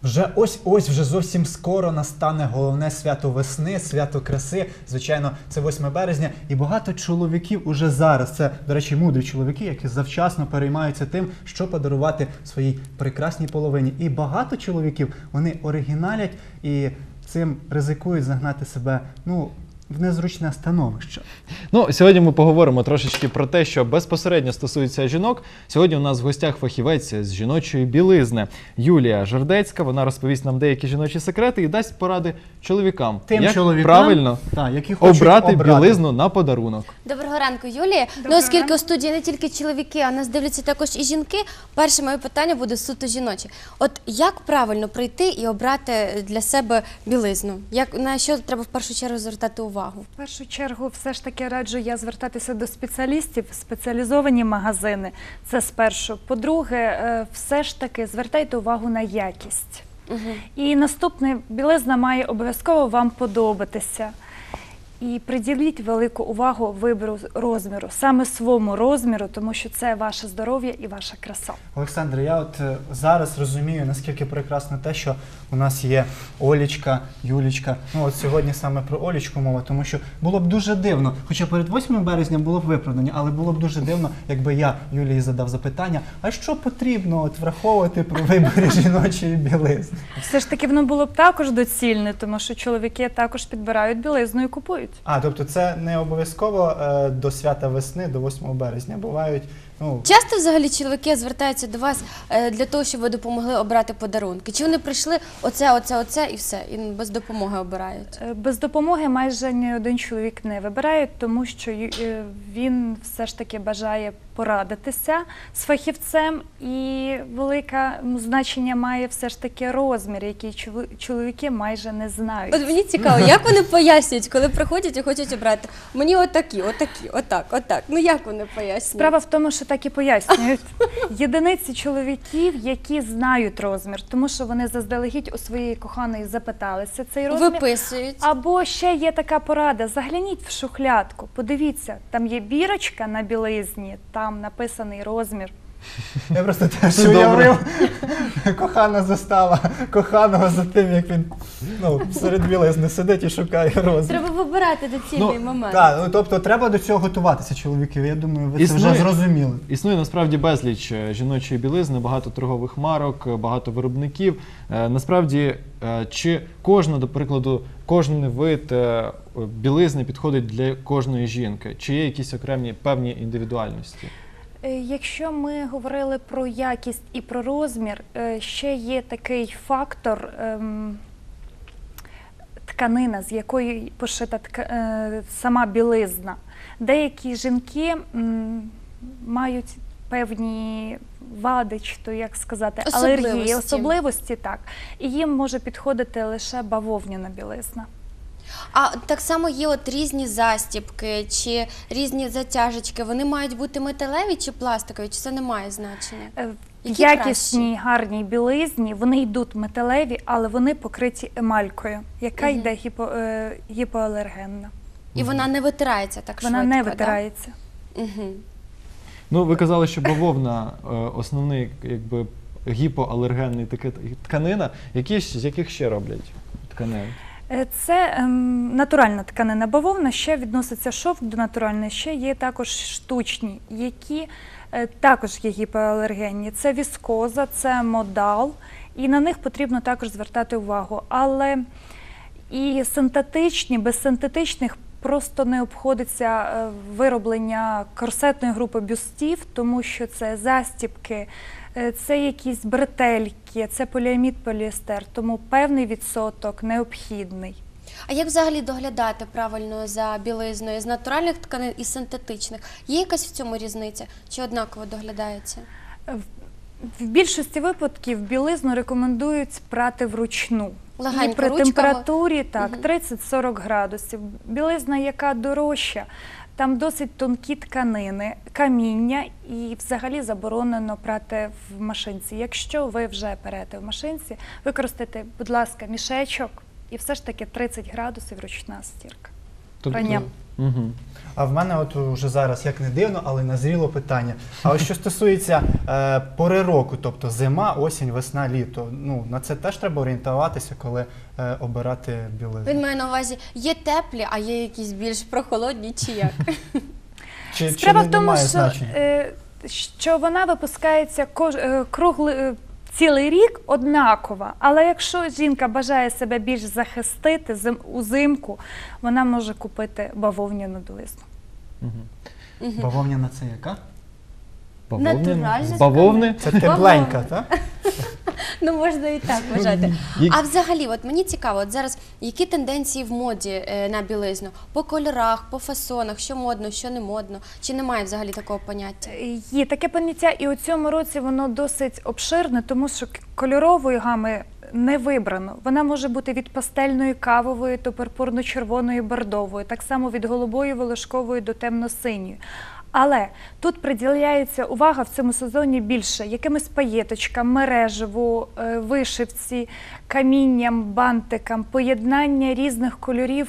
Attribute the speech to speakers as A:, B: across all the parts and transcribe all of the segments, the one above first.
A: Ось вже зовсім скоро настане головне свято весни, свято краси. Звичайно, це 8 березня. І багато чоловіків уже зараз, це, до речі, мудрі чоловіки, які завчасно переймаються тим, що подарувати своїй прекрасній половині. І багато чоловіків, вони оригіналять і цим ризикують загнати себе, в незручне становище.
B: Сьогодні ми поговоримо трошечки про те, що безпосередньо стосується жінок. Сьогодні у нас в гостях фахівець з жіночої білизни Юлія Жердецька. Вона розповість нам деякі жіночі секрети і дасть поради чоловікам, як правильно обрати білизну на подарунок.
C: Доброго ранку, Юлія. Оскільки у студії не тільки чоловіки, а нас дивляться також і жінки, перше моє питання буде суто жіноче. От як правильно прийти і обрати для себе білизну? На що треба в першу чергу звертати увагу?
D: В першу чергу, все ж таки раджу я звертатися до спеціалістів, спеціалізовані магазини. Це спершу. По-друге, все ж таки звертайте увагу на якість. І наступне, білизна має обов'язково вам подобатися. І приділіть велику увагу вибору розміру, саме своєму розміру, тому що це ваше здоров'я і ваша краса.
A: Олександр, я зараз розумію, наскільки прекрасно те, що у нас є Олічка, Юлічка. Сьогодні саме про Олічку мова, тому що було б дуже дивно, хоча перед 8 березня було б виправдання, але було б дуже дивно, якби я Юлії задав запитання, а що потрібно враховувати при виборі жіночої білизни?
D: Все ж таки воно було б також доцільне, тому що чоловіки також підбирають білизну і купують.
A: Тобто це не обов'язково до свята весни, до 8 березня. Бувають...
C: Часто взагалі чоловіки звертаються до вас для того, щоб ви допомогли обрати подарунки? Чи вони прийшли оце і все, і без допомоги обирають?
D: Без допомоги майже ні один чоловік не вибирає, тому що він все ж таки бажає порадитися з фахівцем, і велике значення має все ж таки розмір, який чоловіки майже не знають.
C: От мені цікаво, як вони пояснюють, коли приходять і хочуть обрати? Мені отакі, отак. Як вони пояснюють?
D: Справа в тому, що так і пояснюють. Єдиниці чоловіків, які знають розмір, тому що вони заздалегідь у своєї коханої запиталися цей розмір.
C: Виписують.
D: Або ще є така порада, загляніть в шухлядку, подивіться, там є бірочка на білизні, там написаний розмір.
A: Я просто теж уявив, кохана застала коханого за тим, як він серед білизни сидить і шукає розмір.
C: Треба вибирати доцільний момент.
A: Так, тобто треба до цього готуватися, чоловіки. Я думаю, ви це вже зрозуміли.
B: Існує насправді безліч жіночої білизни, багато торгових марок, багато виробників. Насправді, чи до прикладу, кожен вид білизни підходить для кожної жінки? Чи є якісь окремі певні індивідуальності?
D: Якщо ми говорили про якість і про розмір, ще є такий фактор тканина, з якої пошита сама білизна. Деякі жінки мають певні вади, чи то, як сказати, алергії, особливості, так. І їм може підходити лише бавовняна білизна.
C: А так само є різні застібки чи різні затяжечки. Вони мають бути металеві чи пластикові, чи це не має значення?
D: В якісній, гарній білизні вони йдуть металеві, але вони покриті емалькою, яка йде гіпоалергенна.
C: І вона не витирається так швидко?
D: Вона не витирається.
B: Ви казали, що бавовна основний гіпоалергенний тканина. З яких ще роблять тканин?
D: Це натуральна тканина бавовна, ще відноситься шовк до натуральної, ще є також штучні, які також є гіпоалергенні. Це віскоза, це модал, і на них потрібно також звертати увагу. Але і синтетичні, без синтетичних просто не обходиться вироблення корсетної групи бюстів, тому що це застібки, це якісь бретельки, це поліамід, поліестер, тому певний відсоток необхідний.
C: А як взагалі доглядати правильно за білизною з натуральних тканин і синтетичних? Є якась в цьому різниця? Чи однаково доглядається?
D: В більшості випадків білизну рекомендують прати вручну.
C: Легенько,
D: і при
C: ручками.
D: Температурі 30-40 градусів. Білизна, яка дорожча, там досить тонкі тканини, каміння, і взагалі заборонено прати в машинці. Якщо ви вже перете в машинці, використайте, будь ласка, мішечок, і все ж таки 30 градусів ручна стірка.
B: Угу.
A: А в мене от уже зараз, як не дивно, але назріло питання. А ось що стосується пори року, тобто зима, осінь, весна, літо, ну, на це теж треба орієнтуватися, коли обирати білизну.
C: Він має на увазі, є теплі, а є якісь більш прохолодні чи як?
A: Чи
D: Справа в тому,
A: немає
D: що,
A: значення?
D: що вона випускається цілий рік однакова, але якщо жінка бажає себе більш захистити узимку, вона може купити бавовняну білизну.
B: Угу.
A: Бавовняна це яка?
C: Натуральна
B: З бавовни?
A: Це тепленька, так?
C: Ну, можна і так вважати.
B: Є-
C: А взагалі, от мені цікаво, от зараз які тенденції в моді на білизну? По кольорах, по фасонах, що модно, що не модно? Чи немає взагалі такого поняття?
D: Є таке поняття, і у цьому році воно досить обширне, тому що кольорової гами не вибрано. Вона може бути від пастельної кавової до пурпурно-червоної бордової, так само від голубої волошкової до темно-синьої. Але тут приділяється увага в цьому сезоні більше якимись паєточкам, мережеву, вишивці, камінням, бантикам, поєднання різних кольорів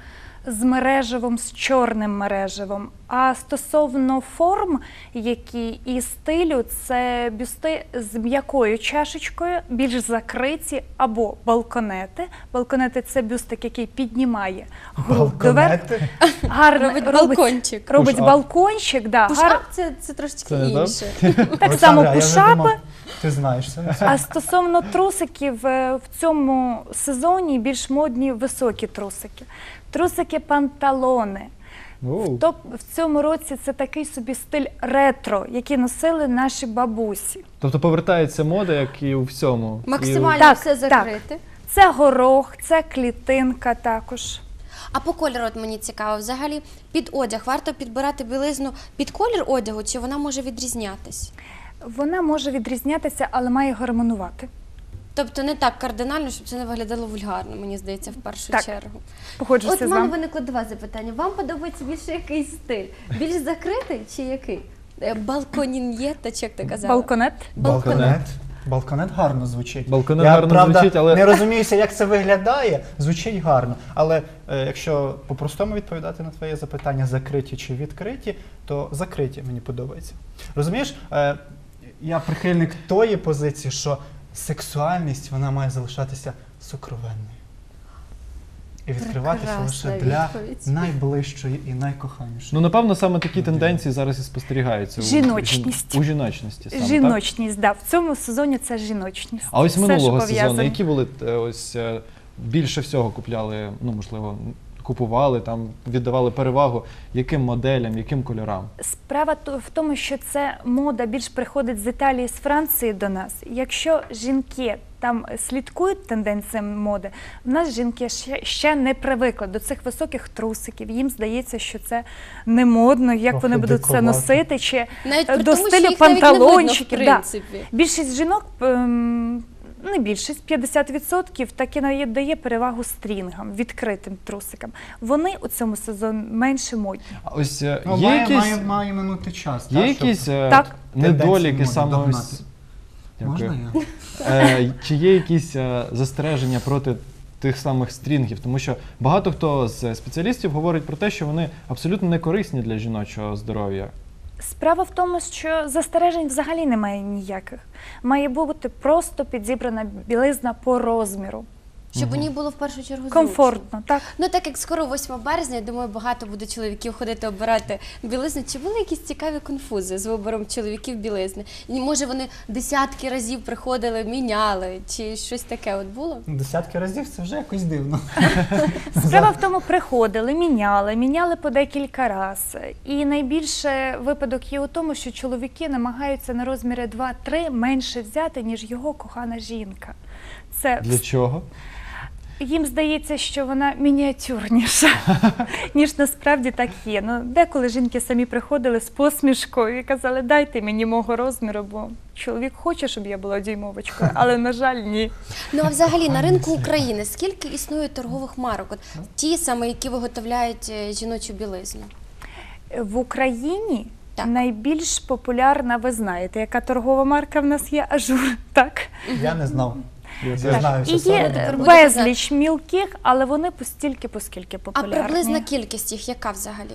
D: з мережевим, з чорним мережевим. А стосовно форм, які і стилю, це бюсти з м'якою чашечкою, більш закриті, або балконети. Балконети – це бюстик, який піднімає грудь доверху.
A: Балконети?
D: Гарно
C: Робить балкончик.
D: Робить
B: Push-up.
D: балкончик, да,
C: Пуш-ап це трошечки
B: Це не
C: інше.
D: так само
A: Олександра, я вже
D: пушапи.
A: думав, ти знаєш це.
D: А стосовно трусиків, в цьому сезоні більш модні високі трусики. Трусики-панталони.
B: Оу.
D: В цьому році це такий собі стиль ретро, який носили наші бабусі.
B: Тобто повертається мода, як і у всьому.
C: Максимально
D: Так,
C: все
D: так.
C: закрити.
D: Це горох, це клітинка також.
C: А по кольору от мені цікаво, взагалі під одяг варто підбирати білизну під колір одягу, чи вона може відрізнятись?
D: Вона може відрізнятися, але має гармонувати.
C: Тобто не так кардинально, щоб це не виглядало вульгарно, мені здається, в першу
D: Так.
C: чергу.
D: Погоджуся
C: От
D: з
C: в мене
D: вами.
C: виникло два запитання. Вам подобається більше який стиль? Більш закритий чи який? Балконін'єта, чи як ти казала?
D: Балконет.
A: Балконет. Балконет гарно звучить.
B: Балконет
A: Я,
B: гарно
A: правда,
B: звучить, але-
A: не розуміюся, як це виглядає. Звучить гарно. Але якщо по-простому відповідати на твоє запитання, закриті чи відкриті, то закриті мені подобається. Розумієш, я прихильник тої позиції, що сексуальність, вона має залишатися сокровенною. І відкриватися
C: Прекрасна
A: лише для
C: відповідь.
A: найближчої і найкоханішої.
B: Ну, напевно, саме такі тенденції зараз і спостерігаються.
D: Жіночність.
B: У жіночності саме, так?
D: Жіночність, да. В цьому сезоні це жіночність.
B: А ось
D: Все,
B: минулого
D: що
B: сезону,
D: пов'язано.
B: які були більше всього купляли, ну, можливо, купували, там, віддавали перевагу, яким моделям, яким кольорам?
D: Справа в тому, що це мода більш приходить з Італії, з Франції до нас. Якщо жінки там слідкують тенденціям моди, в нас жінки ще не привикли до цих високих трусиків. Їм здається, що це не модно, як
A: Ох,
D: вони
A: і
D: будуть це
A: диковато.
D: носити, чи
C: Навіть при
D: до
C: тому, що
D: стилю
C: їх навіть не видно, в
D: панталончиків. Да.
C: принципі.
D: Більшість жінок, не більшість, 50% таки дає перевагу стрінгам, відкритим трусикам. Вони у цьому сезоні менше модні.
B: А ось
A: Ну,
B: є якісь,
A: має минути час.
B: є
A: так, щоб-
B: якісь
D: Так.
B: недоліки
A: Тенденції
B: саме
A: моди
B: ось...
A: догнати.
B: Дякую.
A: Можна я?
B: Чи є якісь застереження проти тих самих стрінгів? Тому що багато хто з спеціалістів говорить про те, що вони абсолютно не корисні для жіночого здоров'я.
D: Справа в тому, що застережень взагалі немає ніяких. Має бути просто підібрана білизна по розміру.
C: Щоб у ній було в першу чергу зручно.
D: Комфортно, так.
C: Ну так як скоро 8 березня, я думаю, багато буде чоловіків ходити обирати білизну. Чи були якісь цікаві конфузи з вибором чоловіків білизни? І, може, вони десятки разів приходили, міняли, чи щось таке от було?
A: Десятки разів це вже якось дивно.
D: Справа в тому, приходили, міняли по декілька разів. І найбільше випадок є у тому, що чоловіки намагаються на розміри 2-3 менше взяти, ніж його кохана жінка. Це
B: Для чого?
D: їм здається, що вона мініатюрніша, ніж насправді так є. Ну, деколи жінки самі приходили з посмішкою і казали, дайте мені мого розміру, бо чоловік хоче, щоб я була дюймовочкою, але, на жаль, ні.
C: Ну а взагалі на ринку України скільки існує торгових марок? От ті саме, які виготовляють жіночу білизну?
D: В Україні
C: Так.
D: найбільш популярна, ви знаєте, яка торгова марка в нас є? Ажур, так?
A: Я не знав.
B: Я
A: Я
B: теж.
A: знаю,
D: І
A: що сорок.
D: є
C: Тепер буде
D: безліч мілких, але вони поскільки
C: А
D: популярні.
C: приблизна кількість їх яка взагалі?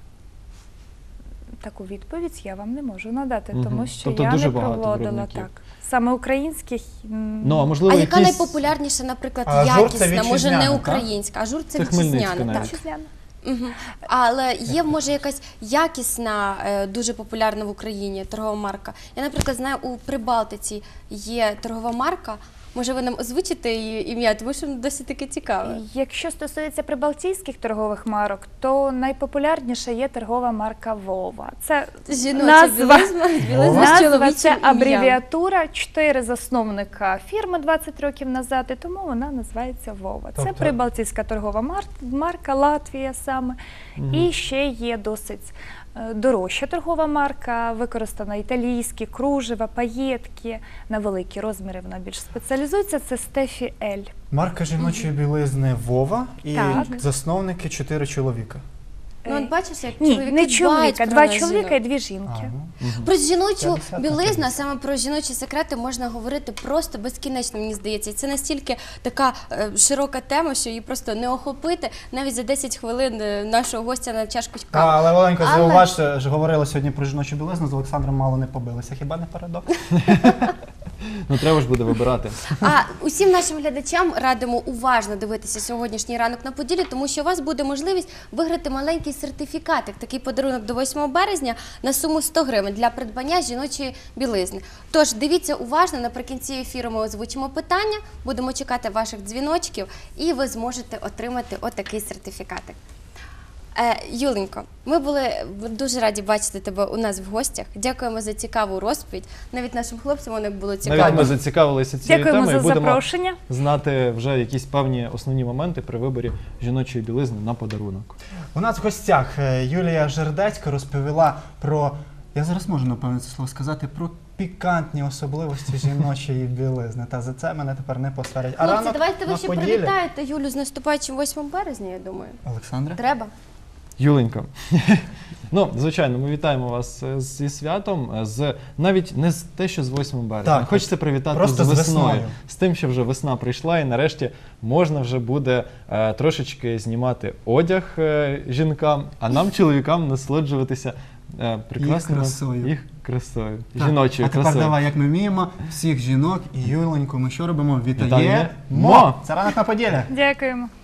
D: Таку відповідь я вам не можу надати,
B: Мгм.
D: тому що
B: Тобто
D: я
B: дуже
D: не
B: багато
D: проводила
B: виробників.
D: так. Саме українських
B: Ну, а можливо,
C: А яка
B: якісь...
C: найпопулярніша, наприклад,
A: А ажур це
C: якісна, може
A: вітчизняна,
C: не
A: так?
C: українська, ажур це
B: Це Хмельницька
C: вітчизняна, так.
B: навіть.
D: вітчизняна.
C: Мгм. Але є, може, якась якісна, дуже популярна в Україні торгова марка. Я, наприклад, знаю, у Прибалтиці є торгова марка. Може, ви нам озвучите її ім'я, тому що воно досить таки цікаве.
D: Якщо стосується прибалтійських торгових марок, то найпопулярніша є торгова марка Вова. Це
C: Жіноча
D: назва,
C: білизна з
D: назва
C: чоловічим
D: це
C: ім'ям.
D: абревіатура, 4 засновника фірми 20 років назад, і тому вона називається Вова. Це
A: Тобто-
D: прибалтійська торгова марка, Латвія саме. І ще є досить дорожча торгова марка, використана італійські, кружева, паєтки, на великі розміри вона більш спеціалізується, це Стефі Ель.
A: Марка жіночої білизни Вова і
D: Так.
A: засновники 4 чоловіка.
C: Ну, от бачиш, як
D: Ні,
C: чоловіки
D: не
C: дбають
D: чоловіка,
C: про
D: 2
C: нас,
D: чоловіка і
C: жінок.
D: 2 жінки.
C: Про жіночу
A: 50 на
C: білизну,
A: 50.
C: а саме про жіночі секрети можна говорити просто безкінечно, мені здається. І це настільки така широка тема, що її просто не охопити навіть за 10 хвилин нашого гостя на чашку кави.
A: Але Оленко,
C: Але-
A: зауваж, ж говорили сьогодні про жіночу білизну, з Олександром мало не побилися. Хіба не парадокс?
B: Ну, треба ж буде вибирати.
C: А усім нашим глядачам радимо уважно дивитися сьогоднішній ранок на Поділі, тому що у вас буде можливість виграти маленький сертифікатик, такий подарунок до 8 березня на суму 100 гривень для придбання жіночої білизни. Тож дивіться уважно, наприкінці ефіру ми озвучимо питання, будемо чекати ваших дзвіночків і ви зможете отримати отакий сертифікатик. Юленько, ми були дуже раді бачити тебе у нас в гостях. Дякуємо за цікаву розповідь. Навіть нашим хлопцям воно було цікаво.
B: Навіть ми зацікавилися цією
D: Дякуємо
B: темою і
D: за
B: будемо
D: запрошення.
B: знати вже якісь певні основні моменти при виборі жіночої білизни на подарунок.
A: У нас в гостях Юлія Жердецька розповіла про, я зараз можу напевно це слово сказати, про пікантні особливості жіночої білизни. Та за це мене тепер не посварять. А
C: Хлопці,
A: ранок
C: давайте ви
A: на
C: ще
A: Поділі.
C: привітаєте Юлю з наступаючим 8 березня, я думаю.
A: Олександре?
C: Треба.
B: Юленька, ну, звичайно, ми вітаємо вас зі святом, навіть не з те, що з 8 березня.
A: Так,
B: Хочеться привітати
A: просто
B: з
A: з
B: весною.
A: весною.
B: З тим, що вже весна прийшла і нарешті можна вже буде трошечки знімати одяг жінкам, а нам, чоловікам, насолоджуватися прекрасною
A: Їх красою. Так,
B: жіночою
A: а тепер
B: красою.
A: давай, як ми вміємо, всіх жінок і Юленьку ми що робимо?
B: Вітаємо.
A: Вітаємо! Це ранок на Поділі.
D: Дякуємо.